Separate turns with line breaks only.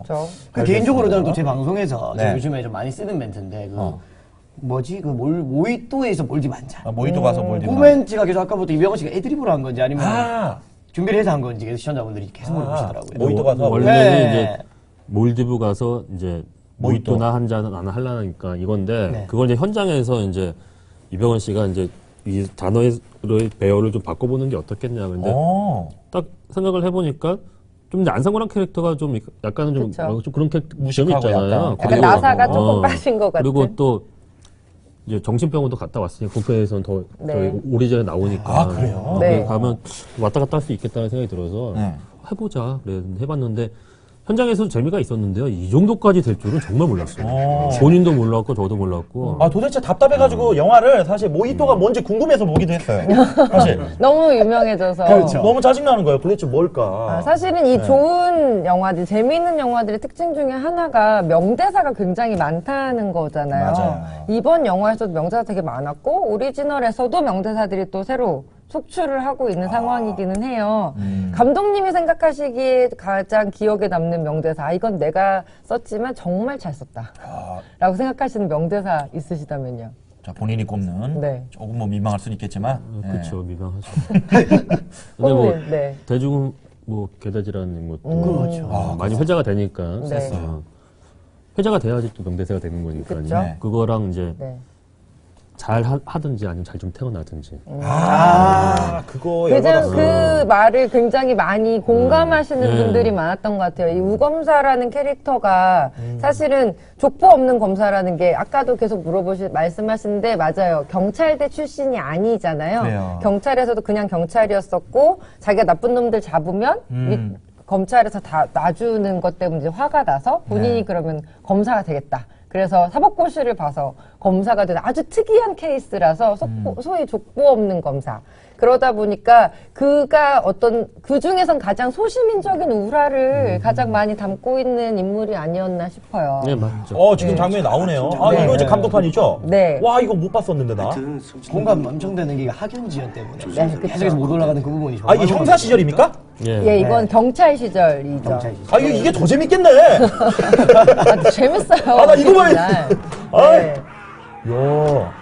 그렇죠.
그 개인적으로 저는 또 제 방송에서
네.
요즘에 좀 많이 쓰는 멘트인데 뭐지? 모히또에서 몰디 만찬.
모히또 가서 몰디
그 멘트가 계속 아까부터 이병헌 씨가 애드립으로 한 건지 아니면
아,
준비를 해서 한 건지 계속 시청자분들이 계속 물어보시더라고요.
모히또 가서
원래는
네.
이제 몰디브 가서 이제
모히또.
모히또나 한 잔 안 하려니까 이건데
네.
그걸 이제 현장에서 이제 이병헌 씨가 이제 이 단어의 배열을 좀 바꿔보는 게 어떻겠냐. 근데 딱 생각을 해보니까 좀 이제 안상관한 캐릭터가 좀 약간은 좀,
그쵸.
좀 그런 캐릭터
무식하고
있잖아요.
약간 나사가 조금 빠진 것 같은.
그리고 또 이제 정신병원도 갔다 왔으니까 국회에서는 더
네.
저희 오리전에 나오니까
아, 그래요?
네.
가면 왔다 갔다 할 수 있겠다는 생각이 들어서
네.
해보자 그래 해봤는데 현장에서도 재미가 있었는데요. 이 정도까지 될 줄은 정말 몰랐어요. 본인도 몰랐고 저도 몰랐고.
아, 도대체 답답해가지고 영화를 사실 모히또가 뭔지 궁금해서 보기도 했어요. 사실.
너무 유명해져서.
그렇죠.
너무 짜증나는 거예요. 도대체 뭘까?
사실은 이 좋은 영화들, 재미있는 영화들의 특징 중에 하나가 명대사가 굉장히 많다는 거잖아요.
맞아요.
이번 영화에서도 명대사 되게 많았고, 오리지널에서도 명대사들이 또 새로 속출을 하고 있는 상황이기는 해요. 감독님이 생각하시기에 가장 기억에 남는 명대사, 이건 내가 썼지만 정말 잘 썼다. 라고 생각하시는 명대사 있으시다면요?
자, 본인이 꼽는.
네.
조금 뭐 민망할 수는 있겠지만.
그렇죠, 미방하죠. 근데 뭐
꼽는, 네.
대중 뭐 개다지라는 것도
그렇죠.
많이 회자가 되니까
네.
회자가 돼야지 또 명대사가 되는 거니까요.
그쵸?
네.
그거랑 이제
네.
잘 하든지 아니면 잘 좀 태어나든지.
그거
그냥
열받았어.
그 말을 굉장히 많이 공감하시는
네.
분들이 많았던 것 같아요. 이 우검사라는 캐릭터가 사실은 족보 없는 검사라는 게 아까도 계속 말씀하시는데 맞아요. 경찰대 출신이 아니잖아요.
그래요.
경찰에서도 그냥 경찰이었었고 자기가 나쁜 놈들 잡으면 검찰에서 다 놔주는 것 때문에 이제 화가 나서 본인이
네.
그러면 검사가 되겠다. 그래서 사법고시를 봐서 검사가 되는 아주 특이한 케이스라서 소위 족보 없는 검사. 그러다 보니까 그가 그 중에선 가장 소시민적인 우라를 가장 많이 담고 있는 인물이 아니었나 싶어요.
네, 맞죠.
지금 장면이 나오네요. 아,
네.
이거 이제 감독판이죠?
네.
와, 이거 못 봤었는데, 나.
공감 엄청 되는 게 학연지연 때문에
그쵸.
계속해서 못 올라가는 그 부분이
아, 이게 형사 시절입니까?
예, 이건 경찰 시절이죠.
경찰
아, 이게 더 재밌겠네.
재밌어요.
아, 나 이거 봐야
날.
아,
네.
야.